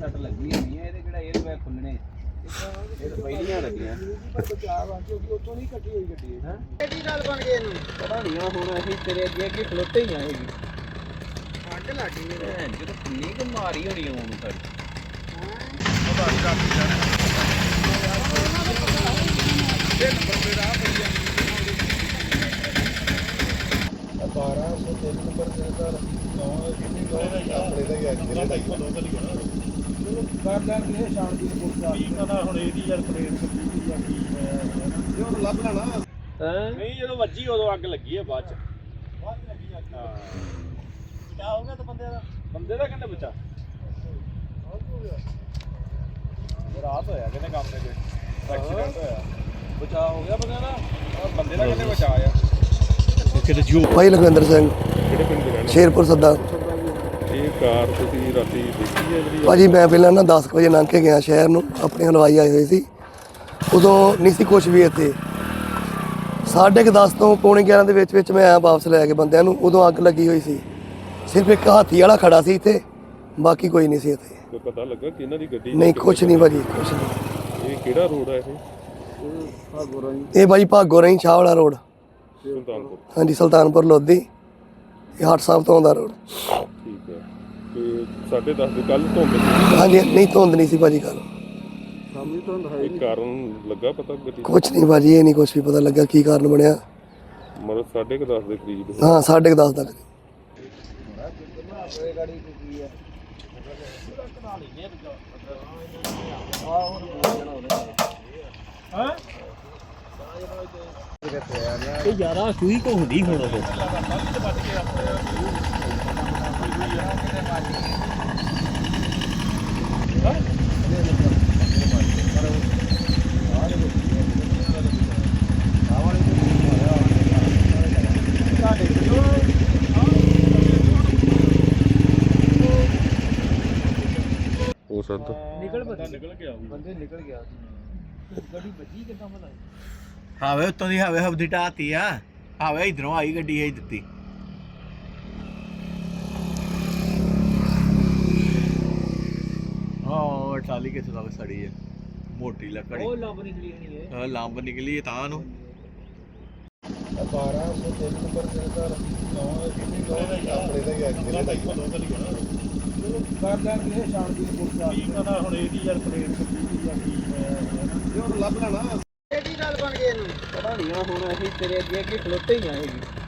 ਸੱਟ ਲੱਗੀ ਹੋਣੀ ਹੈ ਇਹਦੇ ਕਿਹੜਾ 에ਅਰ ਬੈਗ ਖੁੱਲਣੇ ਇਹ ਤਾਂ ਪਹਿਲੀਆਂ ਲੱਗੀਆਂ ਬਚਾਅ ਆ ਕਿਉਂਕਿ ਉੱਥੋਂ ਨਹੀਂ ਕੱਟੀ ਹੋਈ ਗੱਡੀ ਹੈ ਕਿਹੜੀ ਗੱਲ ਬਣ ਗਈ ਇਹਨੂੰ ਪਤਾ ਨਹੀਂ ਹੁਣ ਅਸੀਂ ਤੇਰੇ ਅੱਗੇ ਅੱਗੇ ਖਲੋਤੇ ਹੀ ਆਏਗੀ ਅੱਗ ਲੱਗੀ ਨੇ ਜਦੋਂ ਕਿੰਨੀ ਕੁ ਮਾਰੀ ਹੋਣੀ ਉਹਨੂੰ ਸਾਡੀ ਪਤਾ ਨਹੀਂ ਰੱਖ ਜਾਣਾ ਇਹ ਨੰਬਰ ਤੇ ਰਾਹ ਪਈ ਆ 1203 ਨੰਬਰ ਤੇ ਸਰ 9 ਕਿੰਨੀ ਲੋੜ ਹੈ ਆਪਣੇ ਦਾ ਹੀ ਐਕਸੀਡੈਂਟ ਆਈ ਕਰ ਲਾਂਗੇ ਸ਼ਾਮ ਦੀ ਰਿਪੋਰਟ ਕੀ ਪਤਾ ਹੁਣ ਇਹਦੀ ਯਾਰ ਪਲੇਟ ਕੱਟੀ ਜਾਂ ਕੀ ਇਹ ਹੁਣ ਲੱਭ ਲੈਣਾ ਨਹੀਂ ਜਦੋਂ ਵੱਜੀ ਉਦੋਂ ਅੱਗ ਲੱਗੀ ਹੈ ਬਾਅਦ ਚ ਲੱਗੀ ਅੱਗ ਹਾਂ ਬਚਾ ਹੋ ਗਿਆ ਤਾਂ ਬੰਦੇ ਦਾ ਕਹਿੰਦੇ ਬਚਾ ਰਾਤ ਹੋਇਆ ਕਹਿੰਦੇ ਕੰਮ ਤੇ ਕੋਈ ਐਕਸੀਡੈਂਟ ਹੋਇਆ ਬਚਾ ਹੋ ਗਿਆ ਬੰਦੇ ਦਾ ਬੰਦੇ ਦਾ ਕਹਿੰਦੇ ਬਚਾ ਆ ਭਾਈ ਲਖਵਿੰਦਰ ਸਿੰਘ ਕਿਹੜੇ ਪਿੰਡ ਦੇ ਰਹਿਣ ਸ਼ੇਰਪੁਰ ਸੱਦਾ। ਇਹ ਕਾਰ ਤੁਸੀਂ ਰਾਤੀ ਦੇਖੀ ਹੈ ਜਿਹੜੀ ਭਾਜੀ ਮੈਂ ਪਹਿਲਾਂ ਨਾ 10 ਵਜੇ ਲੰਘ ਕੇ ਗਿਆ ਸ਼ਹਿਰ ਨੂੰ, ਆਪਣੇ ਹਲਵਾਈ ਆਏ ਹੋਏ ਸੀ, ਉਦੋਂ ਨਹੀਂ ਸੀ ਕੁਛ ਵੀ ਇੱਥੇ। 10:30 ਤੋਂ ਪੌਣੇ 11 ਦੇ ਵਿੱਚ ਮੈਂ ਆਇਆ ਵਾਪਸ ਲੈ ਕੇ ਬੰਦਿਆਂ ਨੂੰ, ਉਦੋਂ ਅੱਗ ਲੱਗੀ ਹੋਈ ਸੀ। ਸਿਰਫ ਇੱਕ ਹਾਥੀ ਵਾਲਾ ਖੜਾ ਸੀ ਇੱਥੇ, ਬਾਕੀ ਕੋਈ ਨਹੀਂ ਸੀ ਇੱਥੇ। ਕੋਈ ਪਤਾ ਲੱਗਾ ਕਿ ਇਹਨਾਂ ਦੀ ਗੱਡੀ ਨਹੀਂ ਕੁਛ ਨਹੀਂ ਭਾਜੀ, ਕੁਛ ਨਹੀਂ। ਇਹ ਕਿਹੜਾ ਰੋਡ ਹੈ ਇਹ ਭਾਜੀ ਭਾਗੋ ਰਹੀ ਸ਼ਾਹ ਵਾਲਾ ਰੋਡ, ਸੁਲਤਾਨਪੁਰ। ਹਾਂਜੀ ਸੁਲਤਾਨਪੁਰ ਲੋਧੀ, ਇਹ ਹਾਟ ਸਾਹਿਬ ਤੋਂ ਆਉਂਦਾ ਰੋਡ। ਠੀਕ ਹੈ ਤੇ 10:30 ਦੇ ਕੱਲ ਧੁੰਦ ਸੀ ਹਾਂਜੀ ਨਹੀਂ ਧੁੰਦ ਨਹੀਂ ਸੀ ਭਾਜੀ ਕੱਲ। ਇਹ ਕਾਰਨ ਲੱਗਾ ਪਤਾ ਗੱਡੀ ਕੁਛ ਨਹੀਂ ਭਾਜੀ, ਇਹ ਨਹੀਂ ਕੁਛ ਵੀ ਪਤਾ ਲੱਗਾ ਕੀ ਕਾਰਨ ਬਣਿਆ। ਮਤਲਬ 10:30 ਦੇ ਕਰੀਬ ਹਾਂ 10:30 ਤੱਕ। ਇਹ ਯਾਰਾ ਸੂਈ ਕੋ ਹੁੰਦੀ ਹੁਣ ਉਹ ਹੋ ਸਕਦਾ ਨਿਕਲ ਗਿਆ ਬੰਦੇ ਨਿਕਲ ਗਿਆ ਗੱਡੀ ਵੱਜੀ ਕਿੱਦਾਂ ਪਤਾ ਹਾਵੇ ਉੱਤੋਂ ਦੀ ਹਾਵੇ ਹਬਦੀ ਢਾਤੀ ਆ। ਹਾਵੇ ਇਧਰੋਂ ਆਈ ਗੱਡੀ ਇਹ ਦਿੱਤੀ। ਹਾਂ ਟਾਲੀ ਕਿੱਥੇ ਲੱਗ ਸੜੀ ਹੈ, ਮੋਟੀ ਲੱਕੜੀ। ਉਹ ਲੱਭ ਨਿਕਲੀ ਨਹੀਂ ਹੈ ਹਾਂ ਲੰਬ ਨਿਕਲੀ ਤਾਂ ਨੂੰ 1203 ਨੰਬਰ ਤੇ ਸਰ 9 ਕਿੰਨੀ ਲੋੜ ਹੈ ਆਪਣੇ ਦਾ ਹੀ ਐਕਸੀਡੈਂਟ ਆਈ ਕਰ ਲਾਂਗੇ ਸ਼ਾਮ ਦੀ ਰਿਪੋਰਟ ਕੀ ਪਤਾ ਹੁਣ ਇਹਦੀ ਯਾਰ ਪਲੇਟ ਕੱਟੀ ਜਾਂ ਕੀ ਇਹ ਹੁਣ ਲੱਭ ਲੈਣਾ ਕਿਹੜੀ ਗੱਲ ਬਣ ਗਈ ਇਹਨੂੰ ਪਤਾ ਨਹੀਂ ਹੁਣ ਅਸੀਂ ਤੇਰੇ ਅੱਗੇ ਅੱਗੇ ਖਲੋਤੇ ਹੀ ਆਏਗੀ